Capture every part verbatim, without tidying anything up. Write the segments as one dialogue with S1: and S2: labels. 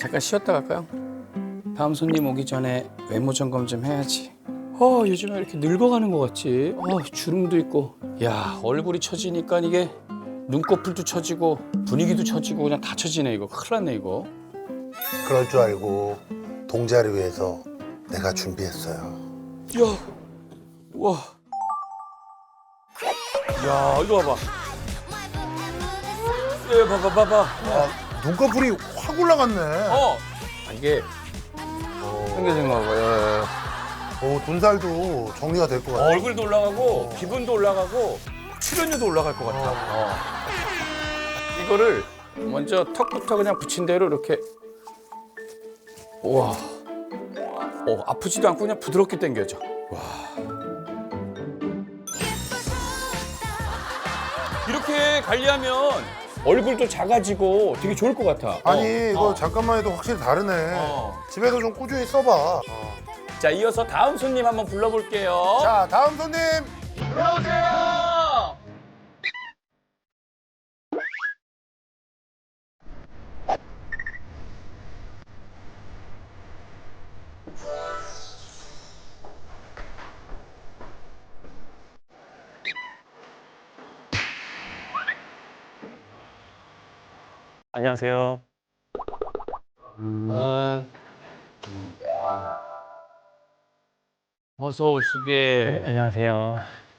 S1: 잠깐 쉬었다 갈까요? 다음 손님 오기 전에 외모 점검 좀 해야지. 어, 요즘에 이렇게 늙어가는 것 같지? 어, 주름도 있고. 야, 얼굴이 처지니까 이게 눈꺼풀도 처지고 분위기도 처지고 그냥 다 처지네 이거. 큰일 났네 이거.
S2: 그럴 줄 알고 동자를 위해서 내가 준비했어요.
S1: 야, 우와. 야, 이거 봐봐. 예, 봐봐, 봐봐.
S2: 아, 눈꺼풀이 확 올라갔네.
S1: 어, 아, 이게 생겨진 거 봐요.
S2: 오, 돈살도 정리가 될 것
S1: 어,
S2: 같아.
S1: 얼굴도 올라가고 기분도 올라가고 출연료도 올라갈 것 같아. 어. 이거를 먼저 턱부터 그냥 붙인 대로 이렇게. 우와. 어, 아프지도 않고 그냥 부드럽게 당겨져. 와. 이렇게 관리하면 얼굴도 작아지고 되게 좋을 것 같아.
S2: 아니,
S1: 어,
S2: 이거
S1: 어.
S2: 잠깐만 해도 확실히 다르네.
S1: 어.
S2: 집에서 좀 꾸준히 써봐.
S1: 자, 이어서 다음 손님 한번 불러볼게요.
S2: 자, 다음 손님.
S1: 들어오세요.
S3: 안녕하세요.
S1: 어서 오시게.
S3: 안녕하세요.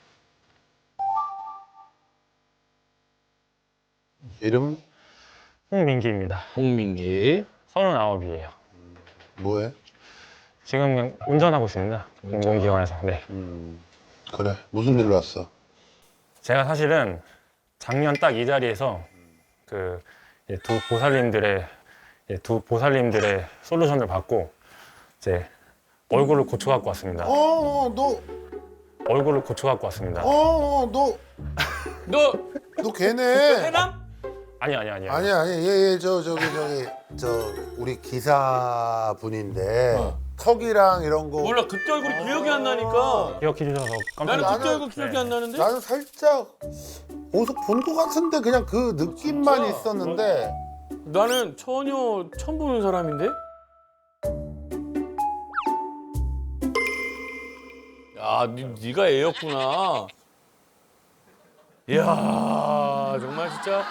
S2: 이름
S3: 홍민기입니다.
S1: 홍민기.
S3: 서른아홉이에요.
S2: 뭐해?
S3: 지금 그냥 운전하고 있습니다. 공공기관에서. 네.
S2: 그래, 무슨 일로 왔어?
S3: 제가 사실은 작년 딱 이 자리에서 그 두 보살님들의 이제 두 보살님들의 솔루션을 받고 이제 얼굴을 고쳐 갖고 왔습니다.
S2: 어, 어, 너,
S3: 얼굴을 고쳐 갖고 왔습니다.
S2: 어, 어, 너,
S1: 너
S2: 너 걔네.
S1: 해남?
S3: 아니 아니 아니.
S2: 아니, 아니, 얘, 얘, 저, 저기, 저기, 저, 우리 기사분인데,
S1: 어.
S2: 턱이랑 이런 거.
S1: 몰라, 그때 얼굴이 기억이 안 나니까.
S3: 기억해 주셔서 깜짝
S1: 나는
S3: 놀랐어요.
S1: 그때 얼굴 기억이
S3: 네.
S1: 안 나는데.
S2: 나는 살짝 어디서 본 것 같은데 그냥 그 느낌만
S1: 진짜?
S2: 있었는데.
S1: 나는 전혀 처음 보는 사람인데. 야, 니, 네가 애였구나. 이야, 정말 진짜.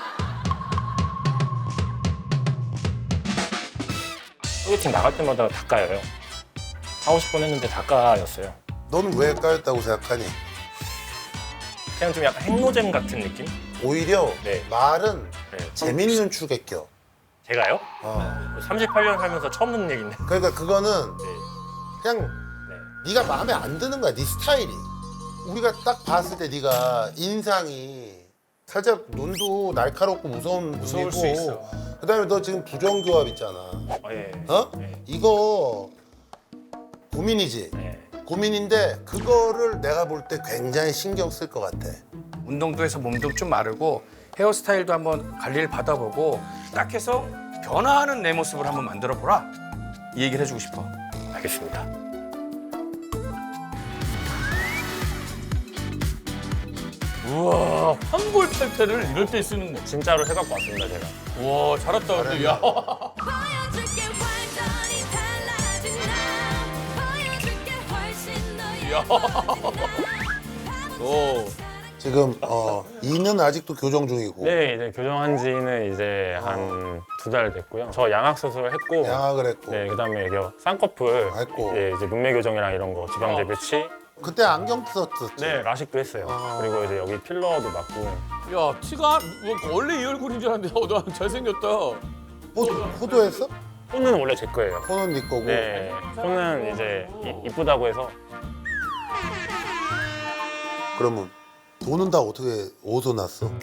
S3: 소개팅 나갈 때마다 닭가여요. 하고 싶은 했는데 닭가였어요.
S2: 너는 왜 까였다고 생각하니?
S3: 그냥 좀 약간 행노잼 같은 느낌?
S2: 오히려
S3: 네.
S2: 말은
S3: 네.
S2: 재밌는 축에 껴.
S3: 제가요?
S2: 어.
S3: 삼십팔 년 살면서 처음 듣는 얘기인데.
S2: 그러니까 그거는
S3: 네.
S2: 그냥
S3: 네.
S2: 네가 마음에 안 드는 거야, 네 스타일이. 우리가 딱 봤을 때 네가 인상이 살짝 눈도 날카롭고 무서운
S1: 무서울
S2: 눈이고,
S1: 수 있어.
S2: 그다음에 너 지금 부정교합 있잖아.
S3: 아, 예.
S2: 어?
S3: 네.
S2: 이거 고민이지.
S3: 네.
S2: 고민인데 그거를 내가 볼 때 굉장히 신경 쓸 것 같아.
S1: 운동도 해서 몸도 좀 마르고 헤어스타일도 한번 관리를 받아보고 딱 해서 변화하는 내 모습을 한번 만들어 보라. 이 얘기를 해주고 싶어.
S3: 알겠습니다.
S1: 우와, 환골 탈태를 이럴 때 쓰는 거.
S3: 진짜로 해갖고 왔습니다, 제가.
S1: 우와, 잘했다. 근데 야.
S4: 보여줄게 완전히 달라진 나 보여줄게 훨씬 더
S1: 야. 오.
S2: 지금 어 이는 아직도 교정 중이고
S3: 네, 이제 교정한 지는 이제 한 두 달 됐고요. 저 양악 수술을 했고,
S2: 양악을 했고
S3: 네, 그다음에 이제 쌍꺼풀,
S2: 했고.
S3: 예, 이제 눈매 교정이랑 이런 거, 지방제 배치,
S2: 그때 안경 썼었지.
S3: 네, 라식도 했어요.
S2: 아.
S3: 그리고 이제 여기 필러도 맞고.
S1: 야, 티가 뭐 원래 이 얼굴인 줄 알았는데 어, 나 잘생겼다.
S2: 호도, 호도했어?
S3: 손은 원래 제 거예요.
S2: 호는 네 거고.
S3: 네, 손은 이제 이- 이쁘다고 해서
S2: 그러면 돈은 다 어떻게 어디서 났어?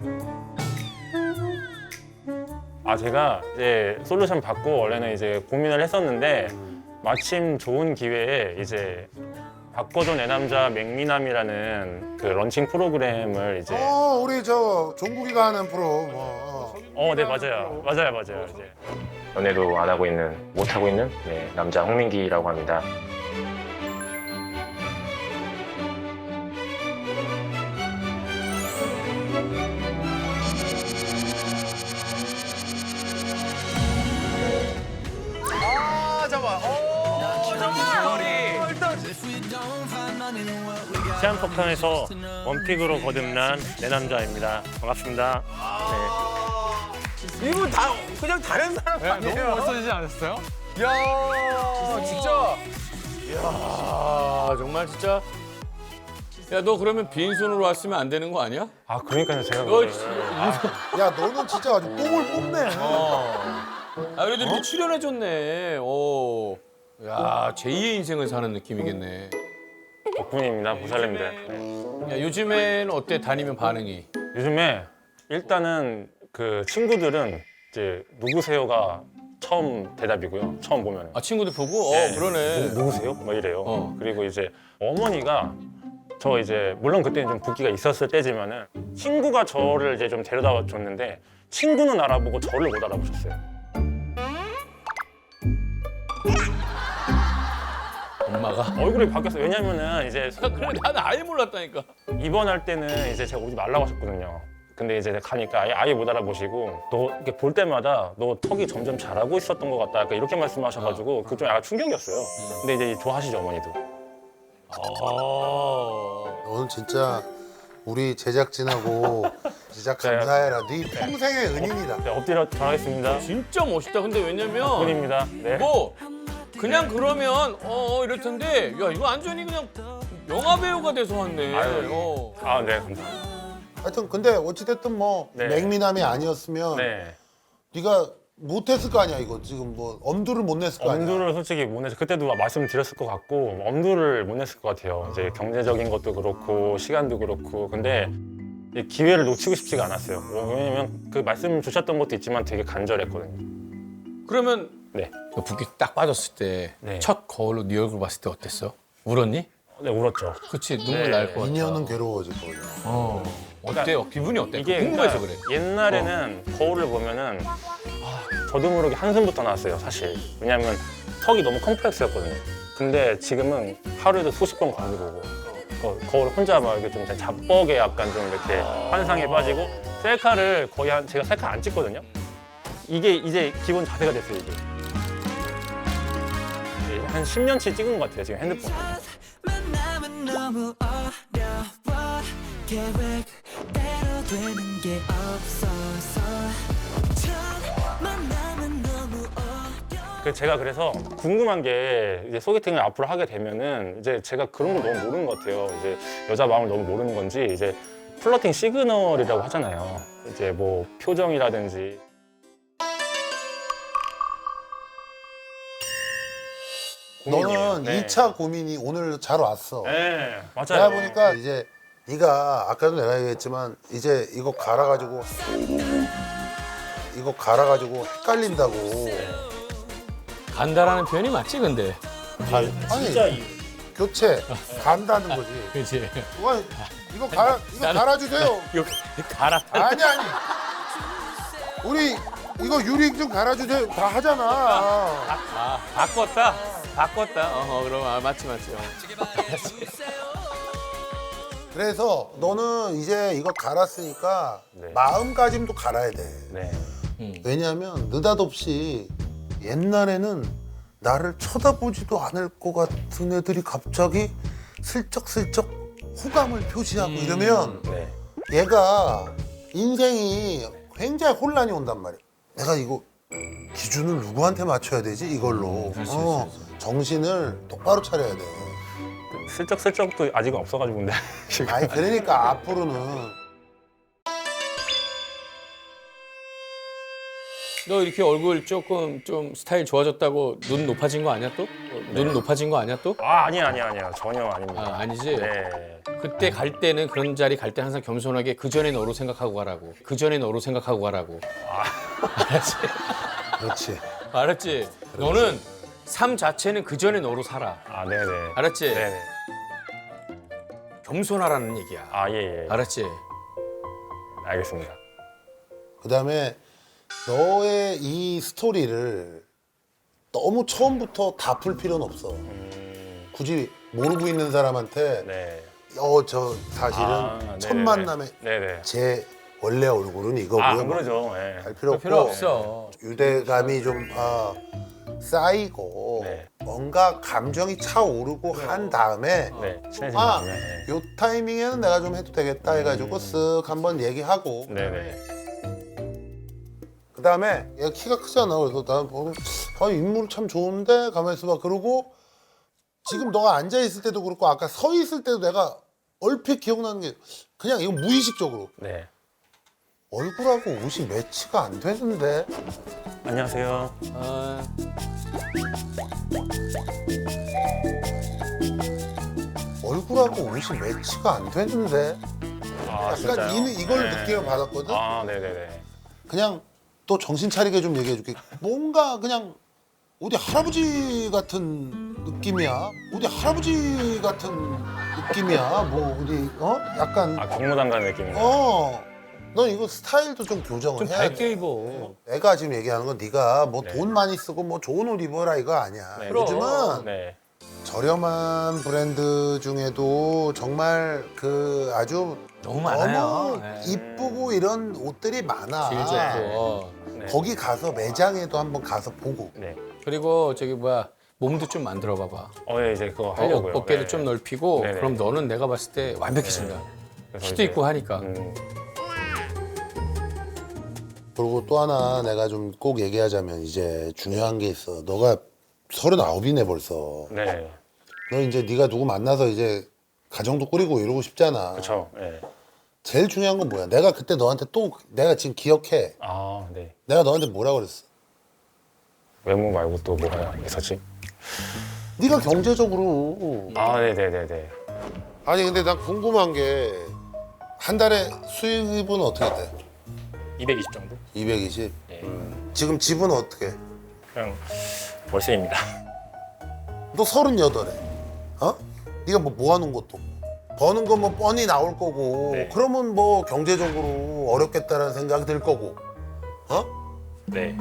S3: 아 제가 이제 솔루션 받고 원래는 이제 고민을 했었는데 마침 좋은 기회에 이제 바꿔줘 내 남자 맥미남이라는 그 런칭 프로그램을 이제
S2: 어 우리 저 종국이가 하는 프로 뭐.
S3: 어 네 맞아요 맞아요 맞아요 이제 연애도 안 하고 있는 못 하고 있는 네, 남자 홍민기라고 합니다. 시한폭탄에서 원픽으로 거듭난 내 남자입니다. 반갑습니다. 네.
S5: 이분 다 그냥 다른 사람 아니에요?
S6: 너무 멋있어지지 않았어요?
S1: 야, 진짜. 야, 정말 진짜. 야, 너 그러면 빈손으로 왔으면 안 되는 거 아니야?
S3: 아 그러니까요 제가
S1: 너
S3: 그거를-
S1: 진짜.
S2: 야 너는 진짜 아주 뽕을 뽑네.
S1: 아, 그래도 이렇게 출연해줬네. 오. 야, 제이의 인생을 사는 느낌이겠네.
S3: 덕분입니다 보살님들. 네.
S1: 야, 요즘에는 어때? 다니면 반응이?
S3: 요즘에 일단은 그 친구들은 이제 누구세요가 처음 대답이고요. 처음 보면.
S1: 아, 친구들 보고? 어,
S3: 네.
S1: 그러네.
S3: 누, 누구세요? 뭐 이래요.
S1: 어.
S3: 그리고 이제 어머니가 저 이제 물론 그때는 좀 붓기가 있었을 때지만은 친구가 저를 이제 좀 데려다 줬는데 친구는 알아보고 저를 못 알아보셨어요.
S1: 엄마가.
S3: 얼굴이 바뀌었어요. 왜냐면은 이제
S1: 그래, 나는 아예 몰랐다니까.
S3: 입원할 때는 이제 제가 오지 말라고 하셨거든요. 근데 이제 가니까 아예, 아예 못 알아보시고 너 이렇게 볼 때마다 너 턱이 점점 자라고 있었던 것 같다. 약간 이렇게 말씀하셔가지고 그게 좀 약간 충격이었어요. 근데 이제 좋아하시죠 어머니도.
S1: 아.
S2: 너는 진짜 우리 제작진하고 진짜 감사해라. 네 평생의 은인이다.
S3: 네, 엎드려 전하겠습니다.
S1: 진짜 멋있다. 근데 왜냐면
S3: 분입니다. 네.
S1: 뭐 그냥 그러면 어, 어 이럴 텐데 야 이거 완전히 그냥 영화 배우가 돼서 왔네.
S3: 아유.
S1: 어.
S3: 아, 네, 감사합니다.
S2: 하여튼 근데 어찌됐든 뭐
S3: 네.
S2: 맹미남이 아니었으면
S3: 네.
S2: 네가 못했을 거 아니야 이거 지금 뭐 엄두를 못 냈을 거 아니야.
S3: 엄두를 솔직히 못 내서 그때도 말씀드렸을 것 같고 엄두를 못 냈을 것 같아요. 이제 경제적인 것도 그렇고 시간도 그렇고 근데 이 기회를 놓치고 싶지가 않았어요. 어, 왜냐면 그 말씀 주셨던 것도 있지만 되게 간절했거든요.
S1: 그러면
S3: 네,
S1: 너 붓기 딱 빠졌을 때
S3: 네.
S1: 첫 거울로 네 얼굴 봤을 때 어땠어? 울었니?
S3: 네 울었죠.
S1: 그치 눈물
S3: 네.
S1: 날 것 같아.
S2: 인연은 괴로워질 거야.
S1: 어. 어때요? 기분이 어때?
S3: 이게
S1: 궁금해서
S3: 그러니까
S1: 그래.
S3: 옛날에는 거울을 보면은 아, 저도 모르게 한숨부터 나왔어요, 사실. 왜냐면 턱이 너무 컴플렉스였거든요. 근데 지금은 하루에도 수십 번 거울 보고 어, 거울 혼자 막 이렇게 좀 자뻑에 약간 좀 이렇게 환상에 빠지고 셀카를 거의 한 제가 셀카 안 찍거든요. 이게 이제 기본 자세가 됐어요, 이게. 예, 한 십 년치 찍은 것 같아요, 지금 핸드폰.
S7: 만남은 너무 어려워 계획대로 되는 게 없어서 첫 만남은 너무 어려워
S3: 그 제가 그래서 궁금한 게 이제 소개팅을 앞으로 하게 되면은 이제 제가 그런 걸 너무 모르는 것 같아요. 이제 여자 마음을 너무 모르는 건지 이제 플러팅 시그널이라고 하잖아요. 이제 뭐 표정이라든지. 고민이에요.
S2: 너는
S3: 네.
S2: 이 차 고민이 오늘 잘 왔어.
S3: 네, 맞아요.
S2: 내가 보니까 이제 네가 아까도 내가 얘기했지만 이제 이거 갈아가지고 이거 갈아가지고 헷갈린다고.
S1: 간다라는 표현이 맞지 근데.
S2: 아니
S3: 진짜 이
S2: 교체 간다는 거지.
S1: 그렇지.
S2: 와, 이거 갈아 이거 갈아주세요.
S1: 이거 갈아.
S2: 아니 아니. 우리 이거 유리 좀 갈아주세요. 다 하잖아.
S1: 아 바꿨다. 바꿨다. 어 그럼 아, 맞지 맞지. 어.
S2: 그래서 너는 이제 이거 갈았으니까
S3: 네.
S2: 마음가짐도 갈아야 돼.
S3: 네.
S2: 왜냐하면 느닷없이 옛날에는 나를 쳐다보지도 않을 것 같은 애들이 갑자기 슬쩍슬쩍 호감을 표시하고 이러면
S3: 네.
S2: 얘가 인생이 굉장히 혼란이 온단 말이야. 내가 이거 기준을 누구한테 맞춰야 되지 이걸로. 어, 정신을 똑바로 차려야 돼.
S3: 슬쩍슬쩍도 아직은 없어가지고 근데 지금.
S2: 아니 그러니까 앞으로는
S1: 너 이렇게 얼굴 조금 좀 스타일 좋아졌다고 눈 높아진 거 아니야 또? 눈 높아진 거 아니야 또?
S3: 아 아니야 아니야 아니야 전혀 아닙니다.
S1: 아 아니지.
S3: 네.
S1: 그때 갈 때는 그런 자리 갈 때 항상 겸손하게 그 전에 너로 생각하고 가라고. 그 전에 너로 생각하고 가라고. 알았지?
S2: 그렇지.
S1: 알았지? 너는 삶 자체는 그 전에 너로 살아.
S3: 아 네네.
S1: 알았지?
S3: 네네.
S1: 겸손하라는 얘기야.
S3: 아 예예.
S1: 알았지?
S3: 알겠습니다.
S2: 그다음에 너의 이 스토리를 너무 처음부터 다 풀 필요는 없어. 굳이 모르고 있는 사람한테
S3: 네.
S2: 어 저 사실은
S3: 아,
S2: 첫
S3: 네네네.
S2: 만남에
S3: 네네.
S2: 제 원래 얼굴은 이거고요.
S3: 아 안
S2: 뭐
S3: 그러죠. 예.
S2: 할 필요 없고
S1: 필요 없어.
S2: 유대감이 좀 아, 쌓이고
S3: 네.
S2: 뭔가 감정이 차오르고 한 다음에
S3: 네, 친해진
S2: 아,
S3: 다음에. 네.
S2: 요 타이밍에는 내가 좀 해도 되겠다 해가지고 쓱 한번 얘기하고
S3: 네네.
S2: 그 다음에 얘가 키가 크잖아. 그래서 난 보고 아, 인물 참 좋은데 가만히 있어봐. 그러고 지금 너가 앉아 있을 때도 그렇고 아까 서 있을 때도 내가 얼핏 기억나는 게 그냥 이거 무의식적으로
S3: 네.
S2: 얼굴하고 옷이 매치가 안 되는데
S3: 안녕하세요.
S1: 아,
S2: 얼굴하고 옷이 매치가 안 되는데
S3: 아,
S2: 약간
S3: 진짜요?
S2: 이, 이걸
S3: 네.
S2: 느낌을 받았거든.
S3: 아, 네네네.
S2: 그냥 또 정신 차리게 좀 얘기해 줄게. 뭔가 그냥 어디 할아버지 같은 느낌이야. 어디 할아버지 같은 느낌이야. 뭐 어디 어? 약간
S3: 아, 경무단 가는 느낌인가요?
S2: 어. 넌 이거 스타일도 좀 교정을
S1: 좀
S2: 해야
S1: 밝게
S2: 돼.
S1: 입어.
S2: 내가 지금 얘기하는 건 네가 뭐
S3: 네.
S2: 돈 많이 쓰고 뭐 좋은 옷 입어라 이거 아니야.
S3: 네.
S2: 요즘은
S3: 네.
S2: 저렴한 브랜드 중에도 정말 그 아주
S1: 너무 많아요.
S2: 너무
S1: 네.
S2: 이쁘고 이런 옷들이 많아.
S1: 제일 좋고.
S3: 네.
S2: 거기 가서 매장에도 한번 가서 보고.
S3: 네.
S1: 그리고 저기 뭐야 몸도 좀 만들어 봐봐.
S3: 어, 네, 이제 그거
S1: 어,
S3: 하려고요.
S1: 어깨도
S3: 네.
S1: 좀 넓히고
S3: 네네.
S1: 그럼 너는 내가 봤을 때 완벽해진다.
S3: 그래서
S1: 키도
S3: 이제,
S1: 있고 하니까.
S3: 음,
S2: 그리고 또 하나 내가 좀 꼭 얘기하자면 이제 중요한 게 있어. 너가 서른아홉이네 벌써.
S3: 네.
S2: 너 이제 네가 누구 만나서 이제 가정도 꾸리고 이러고 싶잖아.
S3: 그렇죠. 네.
S2: 제일 중요한 건 뭐야? 내가 그때 너한테 또 내가 지금 기억해.
S3: 아, 네.
S2: 내가 너한테 뭐라 그랬어?
S3: 외모 말고 또 뭐가 있었지?
S2: 네가 경제적으로
S3: 아, 네네네네.
S2: 아니 근데 난 궁금한 게 한 달에 수입은 어떻게 돼?
S3: 이백이십 정도?
S2: 이백이십.
S3: 네.
S2: 지금 집은 어떻게? 해?
S3: 그냥 월세입니다.
S2: 너 서른여덟에. 어? 네가 뭐 모아놓은 것도 없고. 버는 건 뭐 뻔히 나올 거고.
S3: 네.
S2: 그러면 뭐 경제적으로 어렵겠다라는 생각이 들 거고. 어?
S3: 네.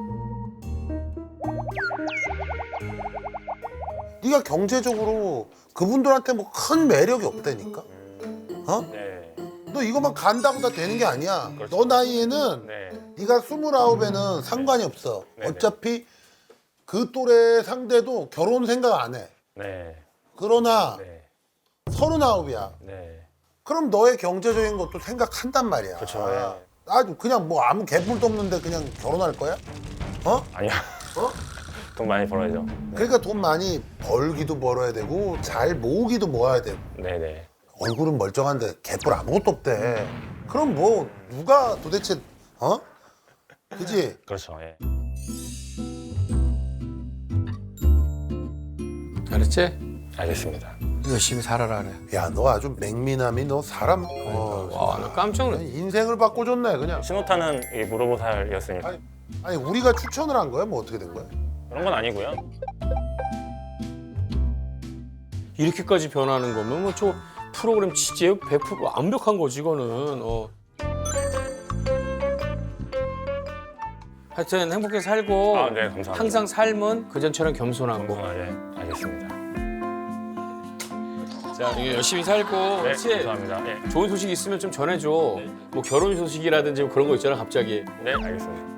S2: 네가 경제적으로 그분들한테 뭐 큰 매력이 없다니까. 어?
S3: 네.
S2: 너 이것만 간다고 다 되는 게 아니야.
S3: 그렇죠.
S2: 너 나이에는
S3: 네.
S2: 네가 스물아홉에는 상관이 없어.
S3: 네네.
S2: 어차피 그 또래 상대도 결혼 생각 안 해.
S3: 네.
S2: 그러나
S3: 네.
S2: 서른아홉이야.
S3: 네.
S2: 그럼 너의 경제적인 것도 생각한단 말이야.
S3: 그렇죠, 예.
S2: 아주 그냥 뭐 아무 개뿔도 없는데 그냥 결혼할 거야? 어?
S3: 아니요.
S2: 어?
S3: 돈 많이 벌어야죠.
S2: 그러니까 돈 많이 벌기도 벌어야 되고 잘 모으기도 모아야 되고
S3: 네네.
S2: 얼굴은 멀쩡한데 개뿔 아무것도 없대. 그럼 뭐 누가 도대체 어? 그지?
S3: 그렇죠. 예.
S1: 알았지?
S3: 알겠습니다.
S1: 열심히 살아라 그래.
S2: 야 너 아주 맹미남이 너 사람 어,
S1: 와, 나 깜짝 놀랐.
S2: 인생을 바꿔줬네 그냥.
S3: 신호탄은 이 무로보살이었으니까
S2: 아니, 아니 우리가 추천을 한 거야? 뭐 어떻게 된 거야?
S3: 그런 건 아니고요.
S1: 이렇게까지 변하는 거면 뭐 저 프로그램 진짜 백 퍼센트 완벽한 거지 이거는. 어. 하여튼 행복하게 살고
S3: 아, 네, 감사합니다.
S1: 항상 삶은 그전처럼 겸손하고
S3: 아, 예. 알겠습니다.
S1: 자 이게 열심히 살고
S3: 네,
S1: 그렇지?
S3: 감사합니다. 예.
S1: 좋은 소식 있으면 좀 전해줘. 뭐 결혼 소식이라든지 뭐 그런 거 있잖아 갑자기.
S3: 네, 알겠습니다.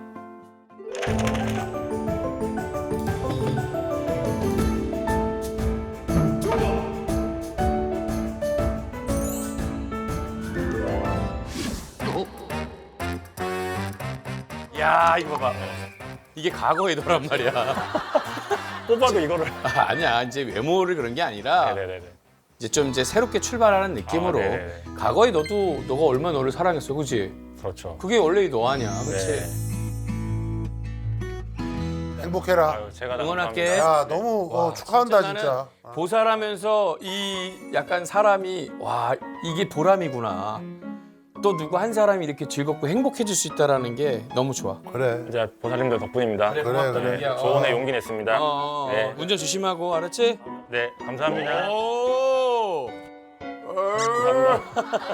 S1: 야 이거 봐봐. 이게 과거의 너란 말이야.
S3: 뽑아도 이거를.
S1: 아, 아니야 이제 외모를 그런 게 아니라
S3: 네네네.
S1: 이제 좀 이제 새롭게 출발하는 느낌으로
S3: 아, 네네네.
S1: 과거에 너도 너가 얼마나 너를 사랑했어, 그지?
S3: 그렇죠.
S1: 그게 원래 너 아니야, 그렇지?
S3: 네.
S2: 행복해라.
S3: 아유, 제가 다
S1: 응원할게.
S3: 감사합니다.
S2: 야 너무 어,
S1: 와,
S2: 축하한다
S1: 진짜
S2: 진짜.
S1: 나는 보살하면서 이 약간 사람이 와 이게 보람이구나. 또 누구 한 사람이 이렇게 즐겁고 행복해질 수 있다라는 게 너무 좋아.
S2: 그래.
S3: 이제 보살님들 덕분입니다.
S2: 그래,
S1: 고맙다,
S2: 그래.
S1: 자기야.
S3: 조언에
S1: 어.
S3: 용기 냈습니다.
S1: 어, 어, 어.
S3: 네.
S1: 운전 조심하고 알았지?
S3: 네, 감사합니다.
S1: 오.
S3: 감사합니다.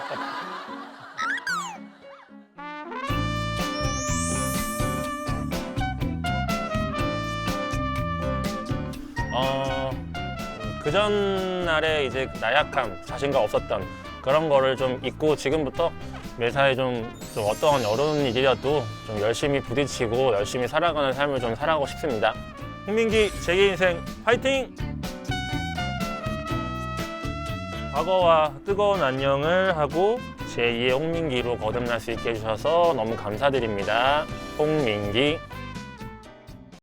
S3: 어, 그 전날에 이제 나약함, 자신감 없었던 그런 거를 좀 잊고 지금부터 매사에 좀, 좀 어떤 어려운 일이라도 좀 열심히 부딪히고 열심히 살아가는 삶을 좀 살아가고 싶습니다. 홍민기 제게 인생 파이팅! 과거와 뜨거운 안녕을 하고 제이의 홍민기로 거듭날 수 있게 해주셔서 너무 감사드립니다. 홍민기.